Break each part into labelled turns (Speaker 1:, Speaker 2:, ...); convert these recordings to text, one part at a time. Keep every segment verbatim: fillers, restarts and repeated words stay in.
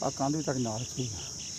Speaker 1: ਆ ਕੰਧ ਵੀ ਤੱਕ ਨਾਲ ਸੀ।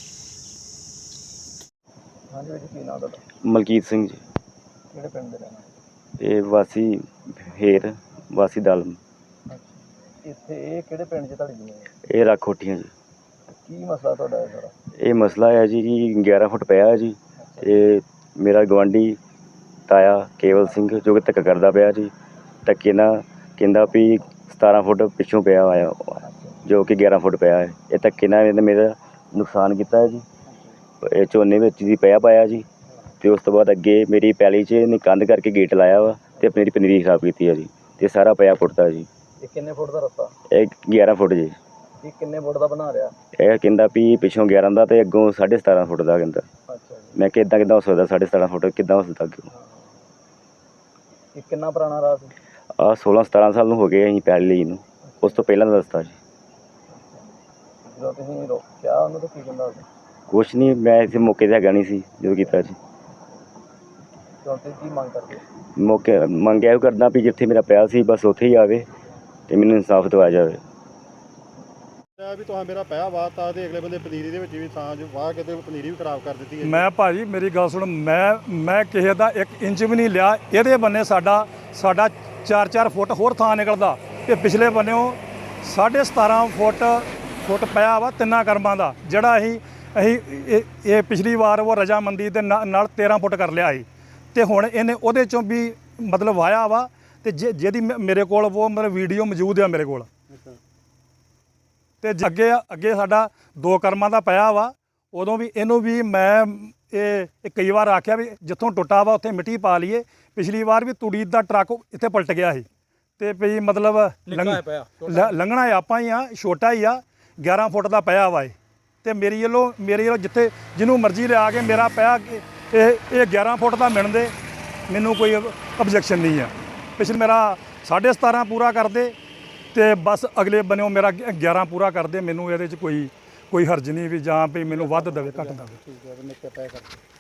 Speaker 2: ਹਾਂਜੀ ਵੀਰ ਜੀ, ਕੀ ਨਾਮ ਤੁਹਾਡਾ?
Speaker 3: ਮਲਕੀਤ ਸਿੰਘ ਜੀ।
Speaker 2: ਕਿਹੜੇ ਪਿੰਡ ਦੇ ਰਹਿਣ ਵਾਲੇ?
Speaker 3: ਇਹ ਵਾਸੀ ਹੇਰ ਵਾਸੀ ਦਲਮ।
Speaker 2: ਅੱਛਾ, ਇੱਥੇ ਇਹ ਕਿਹੜੇ ਪਿੰਡ 'ਚ ਤੁਹਾਡੀ ਜ਼ਮੀਨ ਹੈ?
Speaker 3: ਇਹ ਰੱਖ ਕੋਠੀਆਂ ਜੀ।
Speaker 2: ਕੀ ਮਸਲਾ ਤੁਹਾਡਾ ਇਹ ਸਾਰਾ?
Speaker 3: ਇਹ ਮਸਲਾ ਹੈ ਜੀ ਕਿ ਗਿਆਰਾਂ ਫੁੱਟ ਪਿਆ ਹੈ ਜੀ। ਇਹ ਮੇਰਾ ਗਵਾਂਢੀ ਤਾਇਆ ਕੇਵਲ ਸਿੰਘ ਜੋ ਕਿ ਧੱਕਾ ਕਰਦਾ ਪਿਆ ਜੀ। ਧੱਕੇ ਨਾਲ ਕਹਿੰਦਾ ਵੀ ਸਤਾਰਾਂ ਫੁੱਟ ਪਿੱਛੋਂ ਪਿਆ ਹੋਇਆ ਜੋ ਕਿ ਗਿਆਰਾਂ ਫੁੱਟ ਪਿਆ ਹੈ। ਇਹ ਧੱਕੇ ਨਾਲ ਇਹਨੇ ਮੇਰਾ ਨੁਕਸਾਨ ਕੀਤਾ ਹੈ ਜੀ। ਇਹ ਝੋਨੇ ਵਿੱਚ ਜੀ ਪਿਆ ਪਾਇਆ ਜੀ। ਅਤੇ ਉਸ ਤੋਂ ਬਾਅਦ ਅੱਗੇ ਮੇਰੀ ਪੈਲੀ 'ਚ ਇਹਨੇ ਕੰਧ ਕਰਕੇ ਗੇਟ ਲਾਇਆ ਵਾ ਅਤੇ ਮੇਰੀ ਪਨੀਰੀ ਖਰਾਬ ਕੀਤੀ ਹੈ ਜੀ। ਅਤੇ ਸਾਰਾ ਪਿਆ ਫੁੱਟਦਾ ਜੀ।
Speaker 2: ਇਹ ਕਿੰਨੇ ਫੁੱਟ ਦਾ ਰਸਤਾ?
Speaker 3: ਇਹ ਗਿਆਰਾਂ ਫੁੱਟ ਜੀ।
Speaker 2: ਇਹ ਕਿੰਨੇ ਫੁੱਟ ਦਾ ਬਣਾ ਰਿਹਾ?
Speaker 3: ਇਹ ਕਹਿੰਦਾ ਵੀ ਪਿੱਛੋਂ ਗਿਆਰਾਂ ਦਾ ਅਤੇ ਅੱਗੋਂ ਸਾਢੇ ਸਤਾਰਾਂ ਫੁੱਟ ਦਾ ਕਹਿੰਦਾ।
Speaker 2: ਅੱਛਾ ਜੀ।
Speaker 3: ਮੈਂ ਕਿਹਾ ਇੱਦਾਂ ਕਿੱਦਾਂ ਹੋ ਸਕਦਾ, ਸਾਢੇ ਸਤਾਰਾਂ ਫੁੱਟ ਕਿੱਦਾਂ ਹੋ ਸਕਦਾ ਅੱਗੇ?
Speaker 2: ਇਹ ਕਿੰਨਾ ਪੁਰਾਣਾ ਰਾਹ ਸੀ?
Speaker 3: ਆਹ ਸੋਲਾਂ ਸਤਾਰਾਂ ਸਾਲ ਨੂੰ ਹੋ ਗਏ ਅਸੀਂ ਪੈਲੀ ਲਈ ਨੂੰ। ਉਸ ਤੋਂ ਪਹਿਲਾਂ ਦਾ ਰਸਤਾ ਜੀ।
Speaker 2: ਜਦੋਂ ਤੁਸੀਂ ਰੋਕਿਆ ਉਹਨੂੰ ਤਾਂ ਕੀ ਕਹਿੰਦਾ ਉਹ?
Speaker 3: ਕੁਛ ਨਹੀਂ, ਮੈਂ ਇੱਥੇ ਮੌਕੇ 'ਤੇ ਹੈਗਾ ਨਹੀਂ ਸੀ ਜਦੋਂ ਕੀਤਾ ਜੀ।
Speaker 2: ਹੁਣ ਤੁਸੀਂ ਕੀ ਮੰਗ ਕਰਦੇ?
Speaker 3: ਮੌਕੇ ਮੰਗਿਆ ਇਹ ਕਰਦਾ ਵੀ ਜਿੱਥੇ ਮੇਰਾ ਪਿਆ ਸੀ ਬਸ ਉੱਥੇ ਹੀ ਆਵੇ ਅਤੇ ਮੈਨੂੰ ਇਨਸਾਫ ਦਿਵਾਇਆ ਜਾਵੇ।
Speaker 1: ਵੀ ਤੁਹਾਂ ਮੇਰਾ ਪਿਆ ਵਾਤਾ ਤੇ ਅਗਲੇ ਬੰਦੇ ਪਨੀਰੀ ਦੇ ਵਿੱਚ ਵੀ ਥਾਂ ਜੋ ਵਾਹ ਕੇ ਤੇ ਪਨੀਰੀ ਵੀ ਖਰਾਬ ਕਰ ਦਿੱਤੀ ਹੈ।
Speaker 4: ਮੈਂ ਭਾਜੀ ਮੇਰੀ ਗੱਲ ਸੁਣ, ਮੈਂ ਮੈਂ ਕਿਸੇ ਦਾ ਇੱਕ ਇੰਚ ਵੀ ਨਹੀਂ ਲਿਆ। ਇਹਦੇ ਬੰਨੇ ਸਾਡਾ ਸਾਡਾ ਚਾਰ ਚਾਰ ਫੁੱਟ ਹੋਰ ਥਾਂ ਨਿਕਲਦਾ ਤੇ ਪਿਛਲੇ ਬੰਨਿਓ ਸਾਢੇ ਸਤਾਰਾਂ ਫੁੱਟ ਫੁੱਟ ਪਿਆ ਵਾ ਤਿੰਨਾਂ ਕਰਮਾਂ ਦਾ, ਜਿਹੜਾ ਅਸੀਂ ਅਸੀਂ ਇਹ ਇਹ ਪਿਛਲੀ ਵਾਰ ਉਹ ਰਜਾਮੰਦੀ ਦੇ ਨਾਲ ਤੇਰਾਂ ਫੁੱਟ ਕਰ ਲਿਆ ਸੀ ਅਤੇ ਹੁਣ ਇਹਨੇ ਉਹਦੇ 'ਚੋਂ ਵੀ ਮਤਲਬ ਵਾਇਆ ਵਾ। ਅਤੇ ਜੇ ਜਿਹਦੀ ਮੇਰੇ ਕੋਲ ਉਹ ਮਤਲਬ ਵੀਡੀਓ ਮੌਜੂਦ ਆ ਮੇਰੇ ਕੋਲ। ਅਤੇ ਅੱਗੇ ਅੱਗੇ ਸਾਡਾ ਦੋ ਕਰਮਾਂ ਦਾ ਪਿਆ ਵਾ। ਉਦੋਂ ਵੀ ਇਹਨੂੰ ਵੀ ਮੈਂ ਇਹ ਕਈ ਵਾਰ ਆਖਿਆ ਵੀ ਜਿੱਥੋਂ ਟੁੱਟਾ ਵਾ ਉੱਥੇ ਮਿੱਟੀ ਪਾ ਲਈਏ। ਪਿਛਲੀ ਵਾਰ ਵੀ ਤੂੜੀ ਦਾ ਟਰੱਕ ਇੱਥੇ ਪਲਟ ਗਿਆ ਸੀ ਅਤੇ ਵੀ ਮਤਲਬ ਲੰਘਣਾ ਆਪਾਂ ਹੀ ਆ, ਛੋਟਾ ਹੀ ਆ, ਗਿਆਰਾਂ ਫੁੱਟ ਦਾ ਪਿਆ ਵਾ ਇਹ। ਅਤੇ ਮੇਰੀ ਵੱਲੋਂ ਮੇਰੀ ਵੱਲੋਂ ਜਿੱਥੇ ਜਿਹਨੂੰ ਮਰਜ਼ੀ ਲਿਆ ਕੇ ਮੇਰਾ ਪਿਆ ਇਹ ਇਹ ਗਿਆਰਾਂ ਫੁੱਟ ਦਾ ਮਿਣ ਦੇ, ਮੈਨੂੰ ਕੋਈ ਓਬਜੈਕਸ਼ਨ ਨਹੀਂ ਆ। ਪਿਛਲੇ ਮੇਰਾ ਸਾਢੇ ਸਤਾਰਾਂ ਪੂਰਾ ਕਰਦੇ ਅਤੇ ਬਸ ਅਗਲੇ ਬੰਨਿਓ ਮੇਰਾ ਗਿਆਰਾਂ ਪੂਰਾ ਕਰਦੇ। ਮੈਨੂੰ ਇਹਦੇ 'ਚ ਕੋਈ ਕੋਈ ਹਰਜ ਨਹੀਂ ਵੀ ਜਾਂ ਵੀ ਮੈਨੂੰ ਵੱਧ ਦੇਵੇ ਘੱਟ ਦੇਵੇ।